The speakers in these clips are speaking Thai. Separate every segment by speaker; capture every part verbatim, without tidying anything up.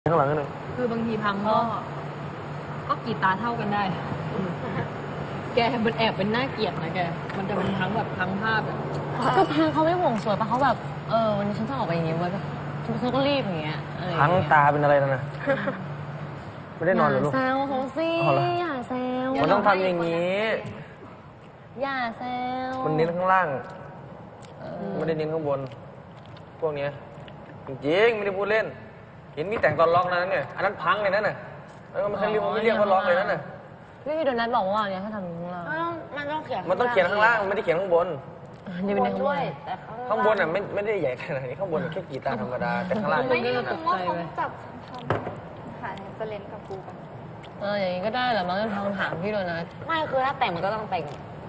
Speaker 1: ข้างหลังนึง
Speaker 2: คือบางทีพังก็ก็กรีดตาเท่ากันได้แกมันแอบเป็นหน้าเกลียดนะแกมันจะเป็นพังแบบพังภาพแบบ
Speaker 3: ก็พังเขาไม่ห่วงสวยปะเขาแบบเออวันนี้ฉันต้องออกไปอย่างงี้ไว้แบบฉันก็รีบอย่างเงี้ย
Speaker 1: พังตาเป็นอะไรนะไม่ได้นอนหรอลูก
Speaker 3: อย่าแซวเขาสิอย่าแซว
Speaker 1: มันต้องทำอย่างนี้
Speaker 3: อย่าแซว
Speaker 1: มันเน้นข้างล่างไม่ได้เน้นข้างบนพวกนี้จริงๆไม่ได้พูดเล่นเห็นมีแต่งตอนล็อกนั้นเนี่ยอันนั้นพังเลยนั่นน่ะแล้วมันเรียกไม่เรียกว่าล็อกเลยนั่นน่ะ
Speaker 3: พี่โดนัทบอกว่าเนี่ยถ้าทำข้างล่าง
Speaker 2: มันต้องเขียน
Speaker 1: มันต้องเขียนข้างล่างไม่ได้เขียนข้างบน
Speaker 3: นี่เป็นข้างบน
Speaker 1: แต่ข้างบนอ่ะไม่ไม่ได้ใหญ่ขนาดนี้ข้างบนแค่กีตาร์ธรรมดาแต่ข้างล่าง
Speaker 4: ไม่รู้ว่าเขาจับทำหาเฟรนกับกูกัน
Speaker 3: เอออย่างนี้ก็ได้เหรอมั้งทางถามพี่โดนัทไม่คือถ้าแต่งมันก็ต้องแต่ง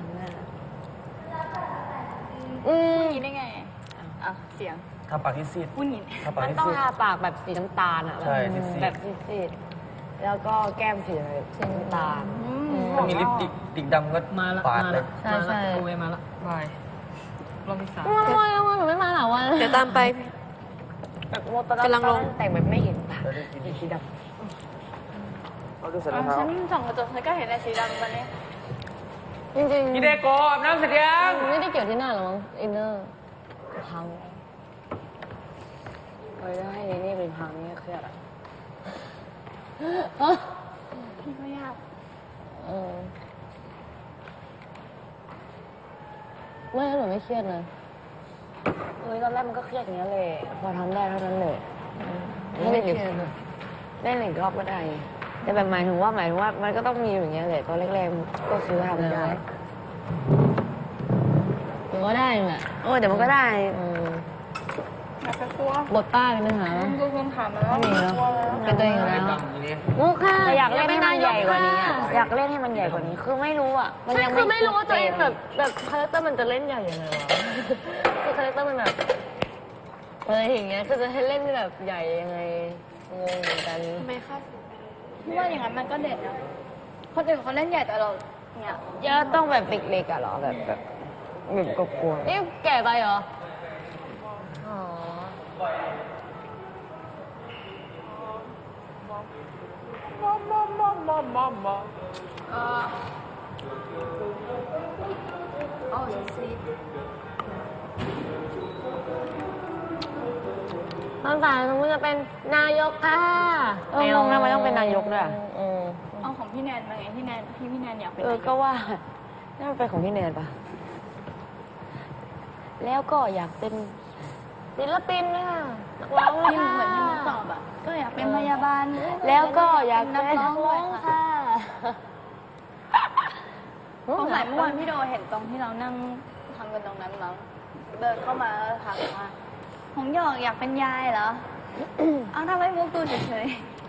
Speaker 4: อืมนี่ได้ไงอ่ะเสียง
Speaker 1: ทาปากที่ซีด
Speaker 4: พูดงี้
Speaker 3: มันต้องทาปากแบบสีน้ำตาลอ่ะแบบซีดแล้วก็แก้มสีสีน้ำตาล
Speaker 1: ถ้ามีลิปติกติกดำก็
Speaker 2: มาละ
Speaker 1: มา
Speaker 2: ละใช่ใช่โอเวมาละบายรอบที่สาม
Speaker 3: ทำไมทำไมหนูไม่มาหรอวะ
Speaker 4: เดี๋ยวตามไปกำลังลง
Speaker 3: แต่งแบบไม่เห็นปากสีด
Speaker 1: ำเอาดูเสร็จแล้ว
Speaker 4: ฉันส่องกระจกฉันก็เห็นในสีดำวันนี้
Speaker 3: จริงๆ
Speaker 1: พี่เด็กโกบน้ำเสร็จยัง
Speaker 3: ไม่ได้เกี่ยวที่หน้าหรอมั้งอินเนอร์พังเฮ้ยให้นี่นี่เป็นพังนี่เครียดอ่ะ
Speaker 4: พี่ก็ยาก
Speaker 3: เออไม่หนูไม่เครียดนะเฮ้ยตอนแรกมันก็เครียดอย่างนี้เลยพอทำได้เท่านั้นเลยไม่ได้เครียดได้หนึ่งรอบก็ได้แต่แบบหมายถึงว่าหมายถึงว่ามันก็ต้องมีอย่างเงี้ยเลยตอนแรกๆก็คือทำได้มันก็ได้แหละโอ้แต่มันก็ได้
Speaker 4: อยากจะกลัว
Speaker 3: บทป้าเป็นปัญหา
Speaker 4: ดูคำถามแล้ว
Speaker 3: มีแล้วเป็นตัวเองแล้วมุกค่ะอยากเล่นให้มันใหญ่กว่านี้อยากเล่นให้มันใหญ่กว่านี้คือไม่รู้อ่ะมันยังคือไม่รู้ว่าตัวเองแบบแบบคาแรคเตอร์มันจะเล่นใหญ่ยังไงวะคือคาแรคเตอร์มันแบบอะไรอย่างเงี้ยคือจะให้เล่นแบบใหญ่ยังไงงงเหมือนกัน
Speaker 4: ทำไมคะพี่ว่าอย่างนั้นมันก็เด็ดนะคนอื่นเขาเล่นใหญ่แต่เราเนี่ย
Speaker 3: เยอะต้องแบบเด็กๆอ่ะหรอแบบแบบแบบกลัวนี่แก่ไปเหรออ๋อ
Speaker 1: มามามามามามา
Speaker 4: เออโอ้ซีด
Speaker 3: ตอนสายมันจะเป็นนายกค่ะเอองงนะมันต้องเป็นนายกด้วย
Speaker 4: เอาของพี่แนนมาไงพี่แนนพี่พี่แนนอยากเป็น
Speaker 3: เออก็ว่านี่มันเป็นของพี่แนนปะแล้วก็อยากเป็นศิลปินค่ะนักร้อง
Speaker 4: ที่เหมือนที่มุกตอบอ่ะก็อยากเป็นพยาบาล
Speaker 3: แล้วก็อยากเป็นนักร้องค่ะ
Speaker 4: ตรงไหนเมื่อวานพี่โดเห็นตรงที่เรานั่งทำกันตรงนั้นมั้งเดินเข้ามาถามว่าหงหยอกอยากเป็นยายเหรอเอาทำไมมุกดูเฉย